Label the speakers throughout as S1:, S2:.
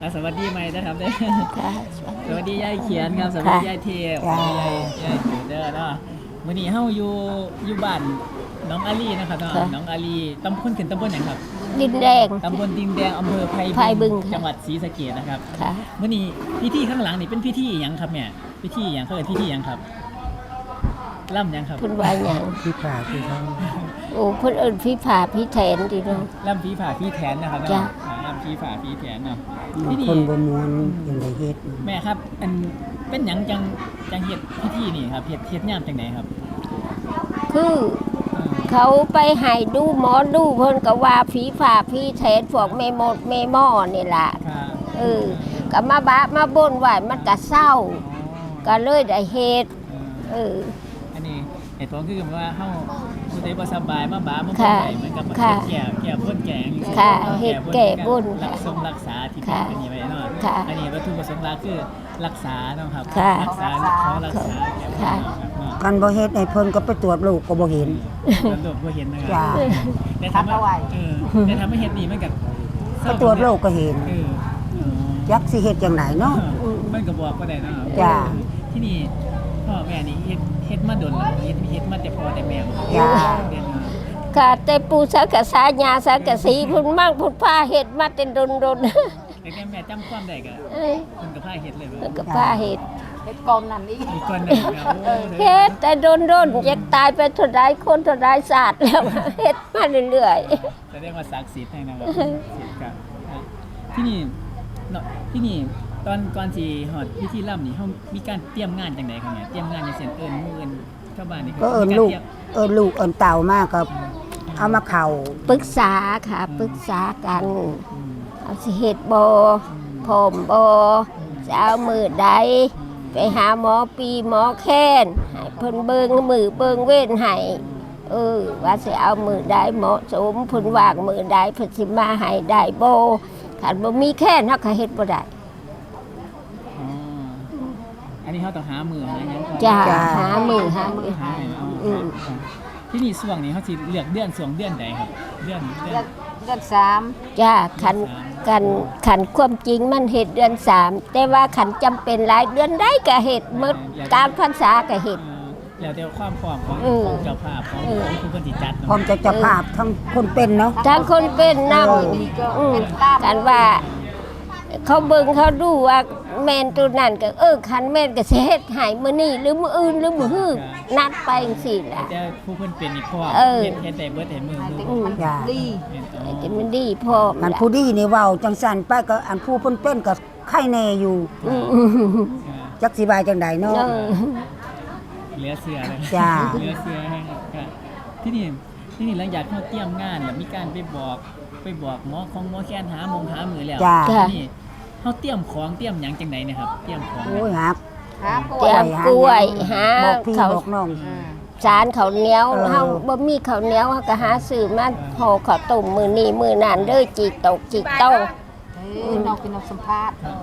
S1: สวัสดีใหม่นะครับเด้อ
S2: ค่ะ
S1: สวัสดียายเขียนครับสวัสดียายเทพสวัสดียายเด้อเนาะมื้อนี้เฮาอยู่บ้านน้องอาลีนะครับเนาะน้องอาลีตำบลขึ้นตำบลหยังครับ
S2: ดินแดง
S1: ตำบลดินแดงอำเภอไผ่
S2: ไผ่บึงค่ะ
S1: จังหวัดศรีสะเกษนะครับ
S2: ค่ะ
S1: มื้อนี้พิธีข้างหลังนี่เป็นพิธีหยังครับแม่พิธีหยังเขาเรียกพิธีหยังครับล่ำหยังครับ
S2: เพิ่นว่าหยัง
S3: พี่ผ่าพี่เขา
S2: โอ้เพิ่นเอิ้นพี่ผาพี่แทนดิเนาะ
S1: ล่ำผีผ่าผีแทนนะครับ
S2: จ้ะ
S1: เนาะล่ำผีผ่าผีแทนเนาะที่นี่
S3: คนบ่มวนอย่างไรเฮ็ด
S1: แม่ครับอันเป็นหยังจังเฮ็ดพิธีนี่ครับเฮ็ดยามจังไหนครับ
S2: คือ
S1: เออ
S2: เขาไปให้ดูหมอดูเพิ่นก็ว่าผีผาพี่แทนพวกแม่มดแม่หม้อนี่ล่ะ
S1: ครับ
S2: ก็มาบะมาบ่นว่ามันก็เศร้า ก็เลยได้เฮ็ด
S1: เออ อันนี้เหตุผลคือว่าเฮาผู้ใดบ่สบายมาบ้ามาบ่
S2: ค่ะ
S1: ได้เหมือนกับมา
S2: ค่ะ
S1: แก้พ่นแกง
S2: ค่ะเฮ็ดแก้บน
S1: รักษาที่เป็
S2: ค่ะ
S1: นอันนี้ไว้เนาะ
S2: ค่ะ
S1: อันนี้วัตถุประสงค์หลักคือรักษาเนาะครับ
S2: ค่ะ
S1: รักษาขอรักษาแก้พ่น
S2: ค่ะ
S1: เนาะครับเนาะ
S3: กันบ่เฮ็ดให้เพิ่นก็ไปตรวจลูกก็บ่เห็น
S1: ตำรวจบ่เห็นนะครั
S3: จ้า
S1: แต่ทำให้แต่ทำให้เฮ็ดนี่มันก็
S3: ไปตรวจลูกก็เห็น
S1: เออ
S3: ยักสิเฮ็ดจังไหนเนาะ
S1: มันก็บอกบ่ได้เนาะ
S3: จ้า
S1: ที่นี่พ่อแม่นี่เฮ็ดมาโดนแล้วเฮ็ดมาแต่พ่อแต่แม่บ่
S3: จ้า
S1: เรียนมา
S2: ค่ะแต่ปูสังกะสาญาสังกะสีเพุ่นมั่งเพุ่นพาเฮ็ดมาแต่ดน
S1: แต่แม่จำความได้ก็
S2: เอ้ย
S1: เพิ่นก็พาเฮ็ดเลย
S2: เพิ่
S1: ว่าน
S2: ก็พาเฮ็ด
S4: เฮ็ดกอมนั่นอีก
S1: มีคนหนึงครับโอ้
S2: เฮ็ดแต่ดนอยากตายไปเท่าใดคนเท่าใดศาสตร์แล้ว เฮ็ดมาเรื่อย
S1: แสดงว่าศักดิ์สิทธิ์ให้นะครับศิษย์ครับที่นี่เนาะที่นี่ตอนก่อนสิฮอดพิธีร่ำนี่เฮามีการเตรียมงานจังไดครับเนี่ยเตรียมงานจังซี่เอิ้นหมู่เอิ้นชาวบ้านนี่
S3: ก็เอิ้นลูกเอิ้นเต่ามาก็เอามาเข้า
S2: ๆปรึกษาค่ะปรึกษากัน
S1: อืม
S2: เอาสิเฮ็ดบ่พร้อมบ่จะเอามือใดไปหาหมอปีหมอแค้นให้เพิ่นเบิ่งมือเบิ่งเว้นให้ว่าสิเอามือใดเหมาะสมเพิ่นว่างมือใดเพิ่นสิมาให้ได้บ่คันบ่มีแค้นเฮาก็เฮ็ดบ่ได้
S1: อ๋ออันนี้เฮาต้องหามือหาหยังก่อน
S2: จ้า
S3: จ้า
S2: หามือหามือ
S1: หาให้เอา
S2: อืม
S1: ครับที่นี่ช่วงนี้เขาสิเลือกเดือนช่วงเดือนใดครับ เดือน
S4: เดือนสาม
S2: จ้าขันความจริงมันเฮ็ดเดือน3แต่ว่าขันจำเป็นหลายเดือนได้ก็เฮ็ดหมดกลารพรรษาก็เฮ็ด
S1: แล้วแต่ความพร้อมของ
S2: อืม
S1: เจ้าภาพของ
S2: อืม
S1: ผู้คนที่จัด
S3: พร้อมจะเจ้าภาพทั้งคนเป็นเนาะ
S2: ถ้าคนเป็นนั่งกันว่าเขาเบิ่งเขาดูว่าแม่นตัวนั้นก็คันแม่นก็สิเฮ็ดให้มื้อนี้หรือมื้ออื่นหรือมื้อฮื้อนัดไปจังซี่ล่ะ
S1: แต่ผู้คนเป็นนี่พร้อม
S2: เออ
S1: เฮ็ดได้เบิดให้มือ
S4: ให้
S1: มื
S4: แต่
S1: อ
S4: มัน
S3: จ้า
S4: ดี
S1: แม่นอ๋อ
S2: แต่มันดีพร้อม
S3: อัน
S2: ล่ะ
S3: ผู้ดีนี่เว้าจังซั่นไปก็อันผู้เพิ่นเป็นก็ไข้แน่อยู่
S2: อืม
S3: จักสิบายจังไดเนาะ
S1: เหลือเสือเลย
S3: จ้า
S1: เหลือเสือให้ครับที่นี่หลังจากเขาเตรียมงานแล้วมีการไปบอกหมอแค้นหามือแล้ว
S3: จ้า
S1: ที่นี่เขาเตรียมของเตรียมหยังจังไหนเนี่ยครับเตรียมของ
S3: โอ้ยหัก
S4: หาป่ว
S2: เตรี
S4: ย
S2: ยมกล้วยหา
S3: บอกพี่
S2: เขาว
S3: บอกน้อง
S2: สารข้าวเหนียว
S3: เออ
S2: เฮาบ่มีข้าวเหนียวเฮาก็หาซื้อมาห่อข้าวต้มมื้อนี้มื้อนั้นเด้อจิกตกจิกโต
S4: น้องเป็นน้องสัมภาษณ์
S1: ครับ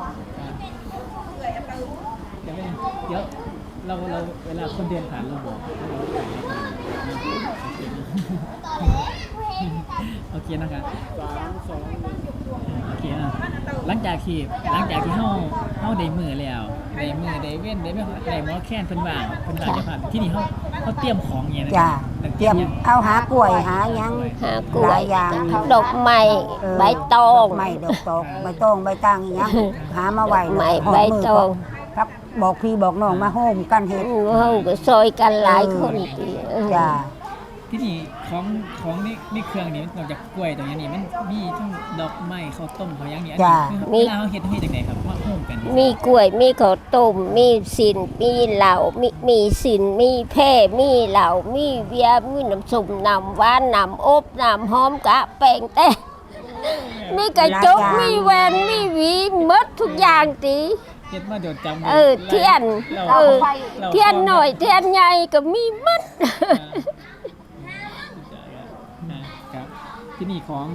S1: เดี๋ยวเราเวลาคนเดินผ่านเราบอกโอเคนะครับโอเคนะหลังจากที่เฮาได้มือแล้วได้เว้นได้หมอแค้นเพิ่นว่างจะผ่านที่นี่เฮาเตรียมของอย่างเงี้ยนะ
S3: จ้าเตรียมเอาหากล้วยหาหยัง
S2: หากล้
S3: ห
S2: ว
S3: ลาย ยอย่าง
S2: ดอกไม้ ใบตอง
S3: ดกไม้ดอกตองใบตองใบตางอีหยังหามาไว้
S2: ไม้
S3: หอด
S2: ใบ
S3: มื
S2: ตอง
S3: พักบอกพี่บอกน้องมาโฮมกันเฮ็ด
S2: เฮาก็ซอยกันหลายคนติ
S3: จ้า
S1: ที่นี่ของนี่เครื่องนี้นอกจากกล้วยตรงนี้นี่มันมีทั้งดอกไม้ข้าวต้มข้าวหยังนี่อันนี้เวลาเฮาเฮ็ดจังได๋ครับมาโฮมกัน
S2: มีกล้วยมีข้าวต้มมีสินมีเหล้ามีสินมีแพร่มีเหล้ามีเบียร์มีน้ำส้มน้ำหวานน้ำอบน้ำหอมกะแป้งแต่มีกระจกมีแว่นมีหวีหมดทุกอย่างติ
S1: เฮ็ดมาโดนจำ
S2: เทียน
S1: เรา
S2: เทียนหน่อยเทียนใหญ่ก็มีหมด
S1: ครับที่นี่ของ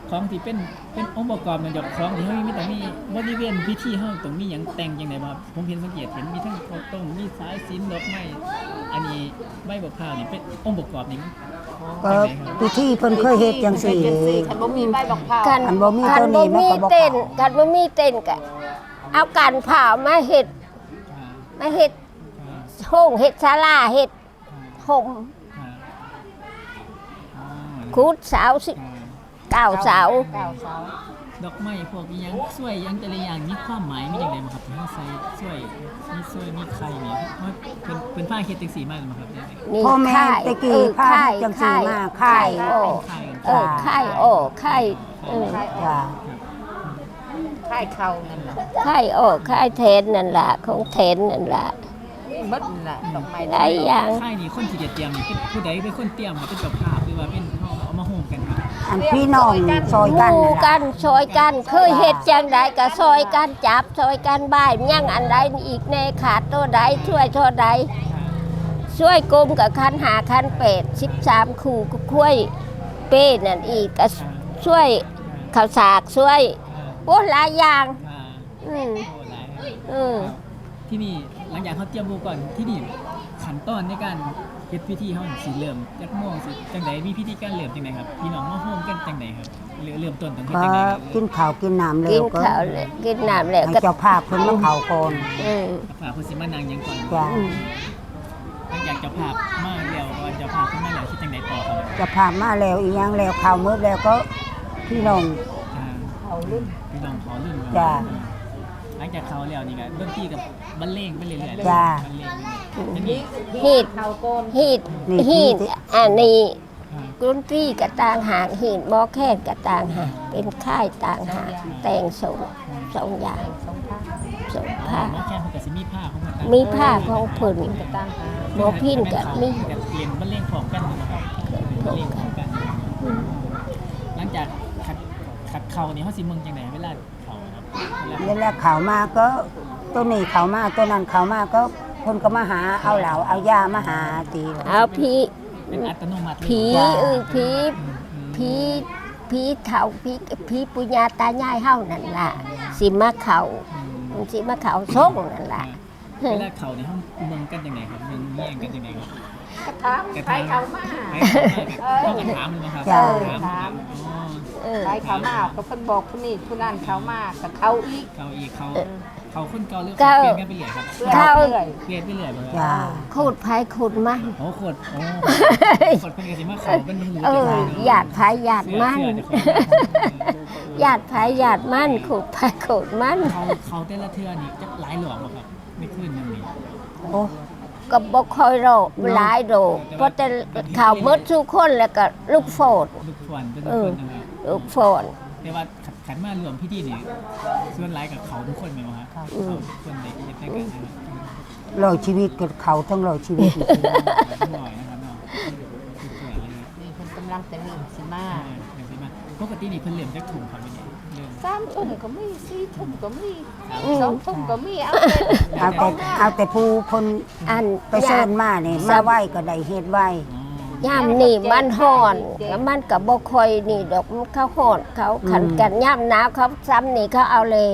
S1: ของที่เป็นองค์ประกอบมันจะของที่เฮามีต้องมีบริเวณพิธีเฮาต้องมีหยังแต่งจังไดบ่ครับผมเห็นสังเกตเห็นมีทั้งข้าวต้มมีสายสิญจน์ดอกไม้อันนี้ใบบักพร้าวนี่เป็นองค์ประกอบนี่
S3: ก็พิธีเพิ่นเคยเฮ็ดจังซี่
S4: คันบ่มีใบบักพร้าว
S2: กัน
S3: อันบ่มี
S2: กั
S3: ตั
S2: น
S3: วนี้
S2: บ่
S3: มัน
S2: มี
S3: ก็บ่
S2: เต้น
S3: เข้า
S2: กันบ่มีเต้นก็เอากันเผามาเฮ็ด
S1: อ่า
S2: มาเฮ็ด
S1: อ่า
S2: ห้องเฮ็ดศาลาเฮ็ดห่ม
S1: อ่าอ๋อ
S2: คูดเสาสิ
S1: อ่า
S2: เก้าเสา
S4: เก้าเสา
S1: ดอกไม้พวกอีหยังสวยหยังแต่ละอย่างมีความหมายมีจังไดบ่ครับที่เฮาใส่สวยมีไข่นี่ว่าเป็นผ้าเฮ็ดจังซี่มาแล้วบ่ครับเนี่ย
S2: นี่
S3: พ่อแม่
S2: ค่าย
S3: ตะกี้พาจังซี่มาค่าย
S2: โอ้
S1: ไข่กัน
S2: ค่ายโอ้ค่ายเออ
S3: จ้า
S4: ค่ายเขานั่นน่ะ
S2: ค่ายโอ้ค่ายเทนนั่นล่ะของเทนนั่นล่ะ
S4: หมดนั่นน่ะดอกไม้
S2: หลายอย่าง
S1: ไข่นี่คนที่จะเตรียมนี่เป็นผู้ใดเป็นคนเตรียมครับเป็นเจ้าภาพหรือว่าเป็นเอามาโฮมกันครับ
S3: อันพี่น้องซอยกัน
S2: หมู่
S3: นั่น
S2: กั
S3: ล่ะ
S2: นซอยกันเคยเฮ็ดจังใดก็ซอยกันจับซอยกันบ้ายยังอันใดอีกในขาดตัวใดช่วยตัวใดช่วยกลมกับคันหาคันเป็ด13คู่ก็ค่อยเป้นั่นอีกก็ช่วยข้าวสากช่วยโอ้หลายอย่าง
S1: อ่า
S2: อืม
S1: โอ้หลาย
S2: อืม
S1: ที่นี่หลังจากเขาเตรียมบูก่อนที่นี่ขั้นตอนในการเฮ็ดพิธีเขาสิเริ่มจากโมงสิจังไดมีพิธีการเริ่มจังไดครับพี่น้องมาโฮมกันจังไดครับเริ่มต้นต้องเฮ็ด
S3: ก็
S1: จังไดครับ
S3: กินข้าวกินน้ำแล้
S2: กิ
S3: วน ก็
S2: ข้าวแล้วกินน้ำแล้ว
S3: ให้
S2: ก็
S3: เจ้าภาพเพิ่นมาเข้าก่อน
S2: อืม
S1: ฝากผู้สิมานางยังก่อน
S3: จ้า
S1: หลังจากเจ้าภาพมาแล้วก่อนเจ้าภาพขึ้นมาแล้วคิดจังไดต่อครับ
S3: เจ้าภาพมาแล้วอีหยังแล้วข้าวมื้อแล้วก็พี่น้อง
S1: อ่า
S4: เขารุ่น
S1: พี่น้องขอรุ่น
S3: จ้า
S1: หลังจากเขาแล้วนี่ก็ดนตรีกับบรรเลงไปเรื่อยๆ
S3: จ้า
S1: บรรเลงไปเรื่อยๆ
S2: ฮีด
S4: เขาก้น
S2: ฮีด
S3: นี่
S2: ฮีด
S3: ที่
S2: อันนี้
S1: อ่า
S2: กรุนตรีกระต่างหากฮีดหมอแค่กระต่างหากเป็นค่ายต่างหากแต่งสองอย่าง
S4: สองผ้า
S2: สอง
S1: ผ้า
S2: ผ้า
S1: หมอแค่เพิ่นก็สิมีผ้าของเพิ่น
S2: มีผ้าของเพิ่น
S4: กระตั้งหา
S2: หมอพินกับมี
S1: เรียนบรรเลงพร้อมกันนะครับบรรเลงพร้อมกัน หลังจากขัดเข่านี่เขาสิเมืองจังไหนเวลาเข่าครับเวลา
S3: เวลาเข้ามาก็ตัวนี้เข้ามาตัวนั้นเข้ามาก็เพิ่นก็มาหาเอาเหล้าเอายามาหาตี
S2: เอาผี
S1: เป็นอัตโนมัติเลย
S2: ผี
S3: จ้า
S2: ผี ผีผีเฒ่าผีปุญญาตายายเฮานั่นล่ะสิมาเข้าสิมาเข้าส่งนั่นล่ะ
S1: เวลาเข่านี่เขาเมืองกันจังไหนครับเมืองแย่งกันจังไหนครับ
S4: กระถางไปเขามา
S1: ไปเขากระถามมันนะครับ
S3: จ้า
S1: ถามอ๋อ
S2: เออ
S4: ไปเขามาก็เพิ่นบอกผู้นี้ผู้นั้นเขามากับเขาอีก
S1: เข่าอีกเขาคนเก่าหรือ
S2: เก่า
S1: เปลี่ยนกันไปเรื่อยครับ
S2: เข้า
S4: เรื่อย
S1: เปลี่ยนไปเรื่อยบ่ครับ
S3: จ้า
S2: ขูดไผขูดมัน
S1: โอ้โคตรโอ้โคตรเป็นกระสิมาเข่าเป็นหู
S2: เออหยาดไผหยาดมัน หยาดไผหยาดมันขูดไผขูดมัน
S1: เขาแต่ละเทือนี่จะหลายหลอกบ่ครับไม่ขึ้นยังนี่
S3: โอ้
S2: ก็บ่ค่อยโรคหลายโรคเพราะแต่ข่าวเบิดทุกคนแล้วก็ลูกโฟด
S1: ลูกฟอนเป็น
S2: เอ
S1: ค
S2: อน
S1: นะครับ
S2: ลูกโฟด
S1: แต่ว่าขันมารวมพิธีนี่ส่วนหลายกับเขาทุกคนไหมวะครับเขาทุกคนในเหตุการณ์นะครับ
S3: ร้อยชีวิตก็เข้าทั้งร้อยชีวิตนี่
S1: หน่อยนะครับเนาะสวยเลย
S4: นี่เพิ่นกำลังจะเริ่มสิมา
S1: อย่างที่มาปกตินี่เพิ่นเหลี่ยมจากถุงครับเนี่ยเริ่ม
S4: 3 ทุ่มก็มี4 ทุ่มก็มี
S2: อืม
S4: 2 ทุ่มก็มีเอา
S3: เอาแต่ผู้เพิ่น
S2: อัน
S3: ไปเชิญมานี่มาไหว้ก็ได้เฮ็ดไหว้
S2: ย่ามนี่มันฮ้อนแล้วมันก็บ่ค่อยนี่ดอกมันเขาฮ้อนเขาขันกันย่ามหนาวเขาซ้ำนี่เขาเอาแล้ว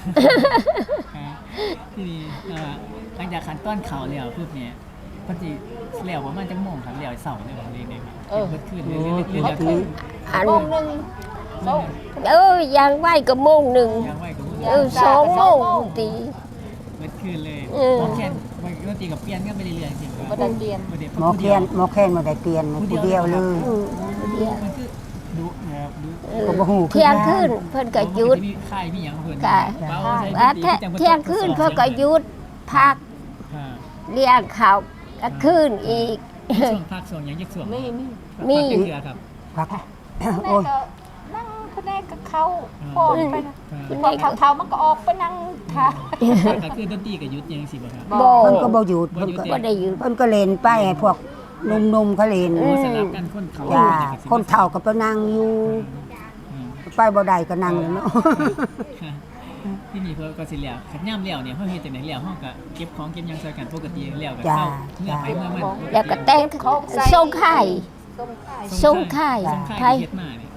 S1: ที่นี่หลังจากขันต้อนเขาแล้วปุ๊บเนี่ยปกติแล้วประมาณจังโมงครับแล้วเสาร์เนี่ยผมเรียนได้ครับเพิ่นขึ้นเรื่อยๆเรื่อยๆ
S2: อัน
S4: โมงหนึงโมง
S2: ยังไหวก็โมงหนึ่ง
S1: ยังไหวกับมือ
S2: 2 โมงตี
S1: เมื่อคืนเลย
S2: เออ
S1: หมอแคนปกติกับเปลี่ยนกันไปเรื่อยๆจริงๆ
S4: บ่ได้เปลี่ยน
S3: หมอแคนบ่ได้เปลี่ยนผู้เดียวเลย
S2: อืมเดียว
S1: มันคือดุนะครับดุ
S3: ก็บ่ฮู้
S2: เที่ยงคืนเพิ่นก็หยุด
S1: มีค่ายมีหยังเพิ่น
S2: ค่ะ
S1: เบาใส่
S2: ว่า
S1: ดนตรีจัง
S2: เที่ยงคืนเพิ่นก็หยุดพัก
S1: อ่า
S2: เลี้ยงข้าวกลางคืนอีก
S1: ช่วงภาคส่วนหยังยักส่วน
S4: มี
S2: มี
S1: ภาคเป็นเรือครับ
S3: พัก
S4: แม่
S3: โอ้ย
S4: ก็นั่งคะแนนกับเขาพอไปนะ
S1: อ่า
S4: พอเขาๆมันก็ออกไปนั่งค่ะ
S1: ก็คือดนตรีกับยุทธยังสิบ่ครับ
S2: บ่
S3: เพิ่นก็บ่หยุดเพิ่นก็
S2: บ่ได้หยุด
S3: เพิ่นก็เล่นไปให้พวกหนุ่มๆเขาเล่น
S1: โอ้สลับกันคนเขา
S3: จ้า
S1: จะ
S3: คนเฒ่าก็ไปนั่งอยู่
S1: อืม
S3: ไปบ่ได้ก็นั่งเลยเนาะ
S1: ที่นี่เพิ่นก็สิแล้วขัดย่ำแล้วเนี่ยเฮาเฮ็ดจังได๋แล้วเฮาก็เก็บของเก็บหยังใส่กันปกติแล้วก็
S3: จ้า
S1: เข้าเมื่อไปเมื่อมัน
S2: แล้วก็แต่งส่งไข่
S4: ส้มไข่
S2: ส่งไข่
S1: ส่งค่า
S2: ไข่
S1: ยเฮ็ดมาเนี่ย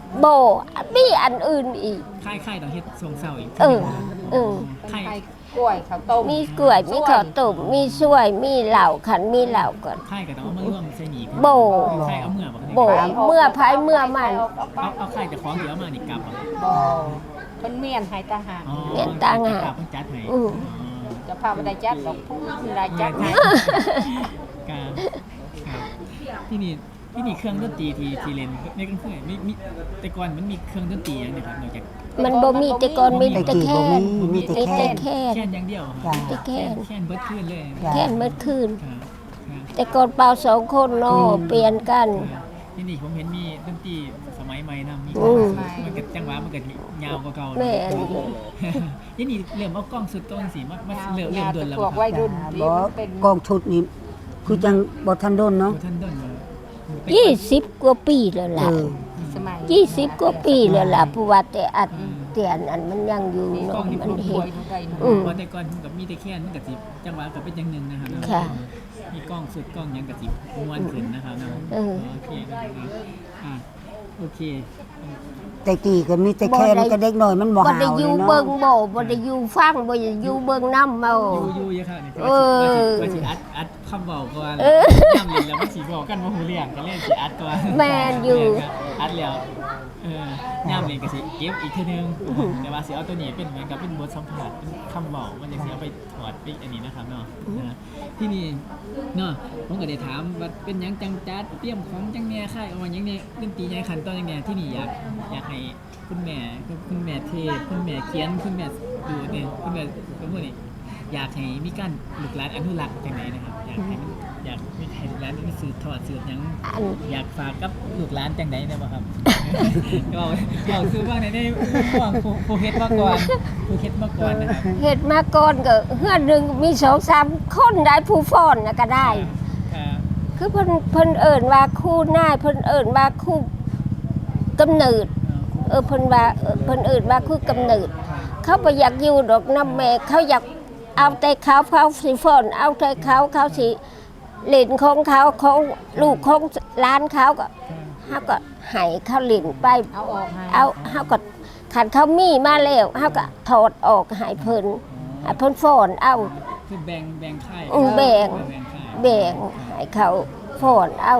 S2: โบมีอันอื่นอีก
S1: ค่ายต้องเฮ็ดทรงเศร้าอีก
S2: เออเออ
S1: ค่าย
S4: ไข่กล้วยข้าวต้ม
S2: มีกล้วยมีข้าวต้มมีช่วยมีเหล้าขันมีเหล้าก่อน
S1: ค่ายก็ต้องเอามาร่วมใส่หนี
S2: โบ
S1: ค่ายเอาเมื่อบ่
S2: โบเมื่อภายเมื่อมัน
S1: เอาค่ายแต่ของเดี๋ยวเอามานี่กลับบ่
S4: บ่เพิ่นเมียนให้ตาหาก
S1: อ๋อ
S2: เรียนต่างหาก
S1: เพิ่นจัดให้
S2: อืม
S4: จะพาบ่ได้จัดดอกพุ่นได้จัดให้
S1: การครับที่นี่เครื่องดนตรีที่เล่นในกลางคืนมีแต่ก่อนมันมีเครื่องดนตรีอย่างเดียวครับนอกจาก
S2: มันบ่มีแต่ก่อนมี
S3: แต่
S2: แต่
S3: กี่
S2: แค่
S3: บ่
S2: น
S3: มีแต่
S2: มี
S3: แค่
S2: แต่แค่น
S1: แค่นอย่างเดียวค
S3: จ้า
S1: รับ
S2: แต่แค่น
S1: แค่นเบิดคืนเลย
S3: จ้า
S2: แค่นเมื่อคืน
S1: ครับครับ
S2: แต่ก่อนเป่า2คนเนาะเปลี่ยนกัน
S1: ที่นี่ผมเห็นมีดนตรีสมัยใหม่นะมี
S2: อืม
S1: มันก็จังหวะมันก็ยาวกว่าเก่า
S2: แม่น
S1: ที่นี่เริ่มเอากล้องสุดต้นสิมาเริ่มโดนแล้ว
S4: พวกวัยรุ่นที่
S3: บ่
S4: มันเป็น
S3: กองชุดนี่คือจังบ่ทันโดนเนาะ
S1: ท่านต้นเลย
S2: 20 กว่าปีแล้ว
S3: เอ
S2: ล่ะ
S3: อ
S4: สมัย
S2: 20 กว่าปีแล้วล่ะเพราะว่าแต่อัดเตียนอันมันยังอยู่เนาะมัน
S4: ป่
S2: เห็
S4: วน ยได้เนาะ
S2: อืม
S1: เพราะแต่ก่อนผมกับมีแต่แค่นมันกับสิจังหวะกับเป็นอย่างหนึ่งนะครับ
S2: ค่ะ
S1: มีกล้องสุดกล้องหยังกับสิม้วนขึ้นนะครับเนาะ
S2: เออ
S1: โอเคครับอ่ะโอเค
S3: แต่กี่ก็มีแต่แค่นก็เด็กน้อยมันบ่
S2: บ่
S3: หาว
S2: ได้
S3: เล
S2: อย ยู่
S3: เนาะ
S2: เบิ่งบ่บ่ได้อยู่ฟังบ่ได้อยู่เบิ่งนำเอา
S1: อยู่เยอะครับนี่
S2: เออ
S1: ว่าสิอัดคำเบาก่อน
S2: เออ
S1: ย่ำเลยแล้วมันสิบอกกันว่าหูเรียงก็เล่นสิอัดก่อน
S2: แม่นอยู่
S1: อัดแล้วย่ำเลยก็สิเก็บอีกทีนึงแต่ว่าสิเอาตัวนี้เป็นเหมือนกับเป็นบทสัมผัสเป็นคำเบามันจะสิเอาไปถอดไปอันนี้นะครับเนาะนะที่นี่เนาะผมก็ได้ถามว่าเป็นหยังจังจัดเตรียมของจังแหน่ค่ายเอามาหยังเนี่ยดนตรีใหญ่ขั้นตอนจังแหน่ที่นี่อยากให้คุณแม่เทศคุณแม่เขียนคุณแม่ดูเนี่ยคุณแม่ก็พูดนี่อยากให้มีการลูกหลานอนุรักษ์จังไหนนะครับอยากให้ลูกหลานมีสืบทอดสืบหยัง
S2: อัน
S1: อยากฝากกับลูกหลานจังไหนได้บ่ครับ เราคือว่าในห่วงผู้เฮ็ดมาก่อนผู้เฮ็ดมาก่อนนะครับ
S2: เฮ็ดมาก่อนก็เฮือนหนึงมี2-3คนได้ผู้ฟ้อนน่ะก็ได้
S1: ครับ
S2: คือเพิ่นเอิ้นว่าครูนายเพิ่นเอิ้นว่าครูกำเนิดเพิ่นว่าเพิ่นเอิ้นว่าครูกำเนิด เขาบ่อยากอยู่ดอกน้ำแม่เขาอยากเอาแต่เขาสิฟ้อนเอาแต่เขาสิเล่นของเขาของลูกของร้านเขาก็เฮาก็ให้เขาเล่นไป
S4: เอาออกให้
S2: เอาเฮาก็คันเขามีมาแล้วเฮาก็ถอดออกให้เพิ่นให้เพิ่นฟ้อนเอา
S1: คือแบ่งค่าย
S2: แบ่ง
S1: ค่าย
S2: แบ่งให้เขาฟ้อนเอา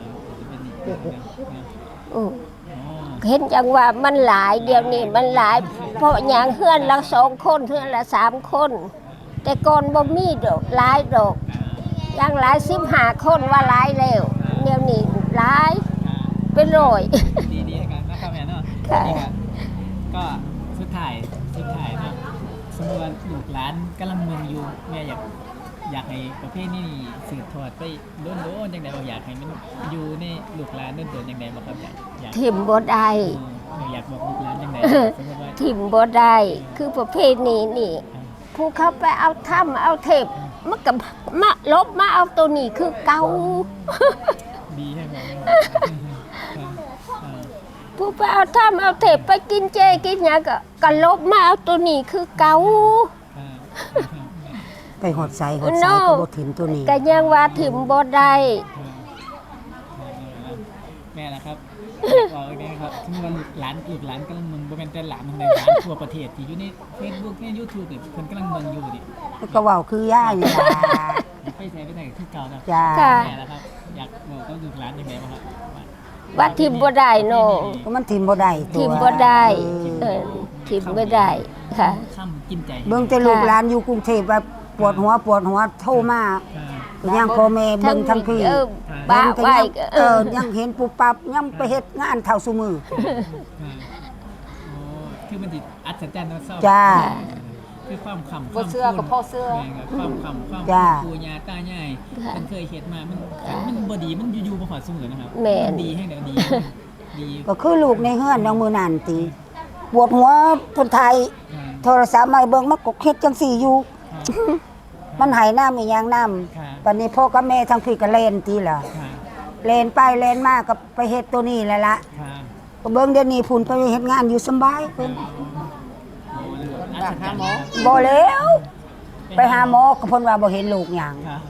S2: อือ
S1: อ๋อ
S2: เห็นจังว่ามันหลายเดี๋ยวนี้มันหลาย เพราะอย่างเฮือนละ2คนเฮือนละ3คน แต่ก่อนบ่มีดอกหลายดอกอย่างหลาย15คนว่าหลายแล้วเดี๋ยวนี้หลายเป็นร้อย
S1: ดีกันนะครับแม่เนาะ
S2: ค่ะ
S1: นี่ครับก็สุดท้ายเนาะสมมติว่าลูกหลานกำลังเมืองอยู่แม่อยากให้ประเภทนี้สืบทอดไปโดนจังได๋บ่อยากให้มันอยู่ในลูกหลานโดนจังได๋บ่ครับอยาก
S2: ถิ่มบ่ได้
S1: อยากบอกลูกหลานจังได๋สมมุติว่า
S2: ถิ่มบ่ได้ คือประเภทนี้นี่ ผู้เขาไปเอาถ้ำเอาเทพมันก็มาลบมาเอาตัวนี้คือเก่า
S1: ดีใช่ไหม
S2: ผู้ไปเอาถ้ำเอาเทพไปกินเจกินหยังก็ลบมาเอาตัวนี้คือเก่า
S3: ไปหดใส่ก็บ่ถิ่นตัวนี้
S2: ก็ยังว่าถิ่มบ่ได้
S1: แม่นะครับบอกอีกนิดครับที่ว่าลูกหลานกำลังเมืองบ่แม่นแต่หลานของหลานทั่วประเทศที่อยู่ใน Facebook ใน YouTube นี่เพิ่นกำลังเมืองอยู่ดิ
S3: ก็เว้าคือย่านี่ล่ะ
S1: ไปใส่คือเก่าครับ
S3: จ้า
S2: ค่ะ
S1: แม่นะครับอยากบอกกับลูกหลานจังได๋บ่ครับ
S2: ว่าถิ่มบ่ได้เนาะ
S3: ก็มันถิ่มบ่ได้ตัว
S2: ถิ่มบ่ได้
S3: เออ
S2: ถิ่มบ่ได้ค่ะ
S1: ค่ำกินใจ
S3: เบิ่งแต่ลูกหลานอยู่กรุงเทพว่าปวดหัวโทรมาก็ยังพ่อแม่เบิ่งทั้งพี่
S2: บ้าไว้ก็
S3: ยังเห็นปุบปับยังไปเฮ็ดงานเท่าซุมือ
S1: คือมันติดอัศจรรย์นะเศร้า
S3: จ้า
S1: คือความขำ
S4: บ่เสื้อกับพ่อเสื้อ
S1: ความขำความ
S3: จ้า
S1: ปูญาตาใหญ่มันเคยเห็นมามันบ่ดีมันอยู่ๆบ่หอดเสมอนะครับ
S2: แม่น
S1: ดีให้เดี๋ยวดีดี
S3: ก็คือลูกในเฮือนน้องมือนั่นติปวดหัวคนไทยโทรศัพท์มาเบิ่งมันก็เฮ็ดจังซี่อยู่ มันให้น้ำอีหยังน้ำปันนี้พ่อกับแม่ทั้งพี่ก็เล่นติล่ะเล่นไปเล่นมาก็ไปเฮ็ดตัวนี้แหละละก็เบิ่งเดี๋ยวนี้พุ่นไปเฮ็ดงานอยู่สำบายเพิ่น
S1: อัศจรรย์
S3: บ่แล้ว ไปหาหมอก็เพิ่นว่าบ่เห็นลูกหยัง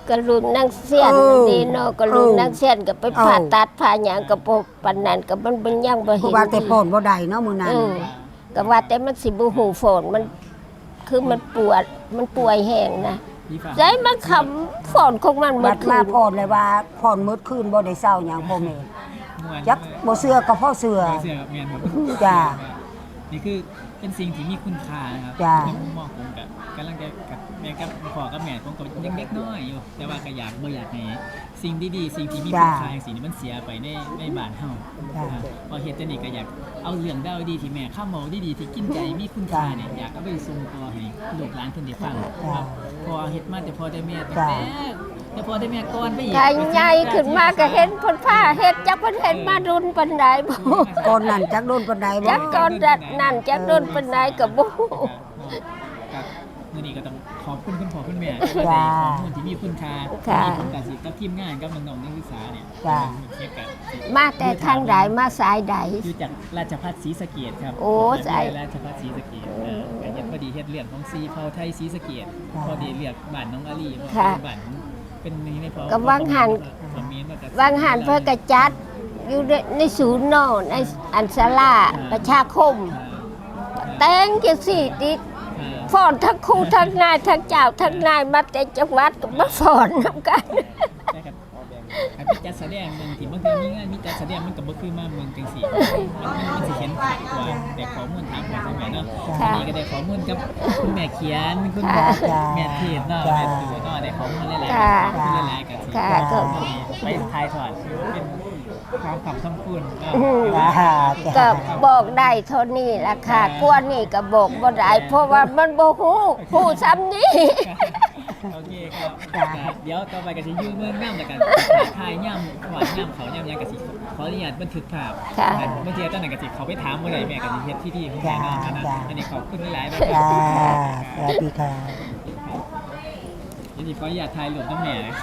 S2: กระลุนนางเสียนดีเนาะกระลุนนางเสียนก็ไปผ่าตัดผ่าหยังก็บ่ปานนั้นก็มันเป็นยังบ่
S3: เพ
S2: เห็
S3: ราะ
S2: น
S3: ว่าแต่พ่นบ่ได้เนาะมื้อนั้น
S2: ก็ว่าแต่มันสิบ่หูฝนมันคือมันปวดมันป่วยแห้งนะ
S1: พี่ฝาก
S2: ใจมันคำฝนของมันหม
S3: บั
S2: ด
S3: ด
S2: คื
S3: มาน พ่นเลยว่าพ่นมืดคืนบ่ได้เศร้าหยังพ่อแม่
S1: ม่วน
S3: จักบ่เชื่อก็พ่อเชื่อ
S1: เสื้อกับแมนครับ
S3: จ้า
S1: นี่คือเป็นสิ่งที่มีคุณค่านะครับ
S3: จ้า
S1: ในมุมมองผมกับกำลังจะกับแม่กับพ่อกับแม่ผมก็ยังเล็กน้อยอยู่ แต่ว่าก็อยากบ่อยากให้สิ่งดีๆสิ่งที่มีคุณค่าอย่างสิ่งนี้มันเสียไปในบ้านเฮา
S3: จ้า
S1: พอเฮ็ดจังนี้ก็อยากเอาเรื่องราวดีที่แม่ข้ามเมาดีๆที่กินใจมีคุณค่าเนี่ยอยากเอาไปส่งต่อให้ลูกหลานเพิ่นได้ฟังครับพอเฮ็ดมาแต่พอได้แม่ตั้งแต่พอได้แม่ก่อนไปอีก
S2: ถ้าใหญ่ขึ้นมาก็เห็นเพิ่นผ้าเฮ็ดจักเพิ่นเฮ็ดมารุนปานใดบ่
S3: ก่อนนั้นจักโดนปานใดบ่
S2: จักก่อนนั่นจักโดนปานใดก็บ่ฮู้
S1: ครับมื้อนี้ก็ต้องขอบคุณคุณพ่อคุณแม่ที่ว่าได้ข้อมูลที่มีคุณค่าที่ผมกับสิกับทีมงานกับน้องๆนักศึกษาเนี่ยเทียบกับ
S2: มาแต่ทางใดมาสายใด
S1: อยู่จากราชภัฏศรีสะเกษครับ
S2: โอ้สาย
S1: ราชภัฏศรีสะเกษก็เฮ็ดพอดีเฮ็ดเรื่องของซีเผาไทยศรีสะเกษพอดีเรียกบ้านน้องอาลีบ้านเป็นนี่ในพอ
S2: ก็วางหัน วางหันเพื่อกระจัดอยู่ในศูนย์เนอในอันศาลาประชาคม แต่งจังสี่ติดฟ้อนทั้งครูทั้งนายทั้งเจ้าทั้งนายมาแต่จังหวัดก็มาฟ้อนนำกัน
S1: ใช่ครับการไปจัดแสดงเมืองที่บางทีมีงานมีจัดแสดงมันก็บ่คือมาเมืองจังซี่มันสิเห็นชัดกว่าแต่ข้อมูลถามว่าจังไดเนาะวันนี้ก็ได้ข้อมูลกับคุณแม่เขียนคุณแม่เทศเนาะแม่ตู่เนาะได้ข้อมูลหลายๆข้อมูลหลายๆกันสิไปถ่ายทอดเป็นความขำคำคุณเนาะ
S2: ก็บอกได้เท่านี้ล่ะค่ะกวนนี่ก็บอกบ่ได้เพราะว่ามันบ่ฮู้ซ้ำนี้
S1: โอเคครับเดี๋ยวต่อไปก็จะยืมเมืองน้ำแล้วกันถ่ายย่ำหวานย่ำเขาย่ำยังกะสิขออนุญาตบันทึกภาพบางทีตอนไหนกะสิเขาไปถามเมื่อไหร่แม่กะสิเฮ็ดที่ของแม่นะอันนี้ขอบคุณหลายๆนะ
S3: จ้าสวัสดีค่ะ
S1: ยินดีขออนุญาตถ่ายรูปน้ำแม่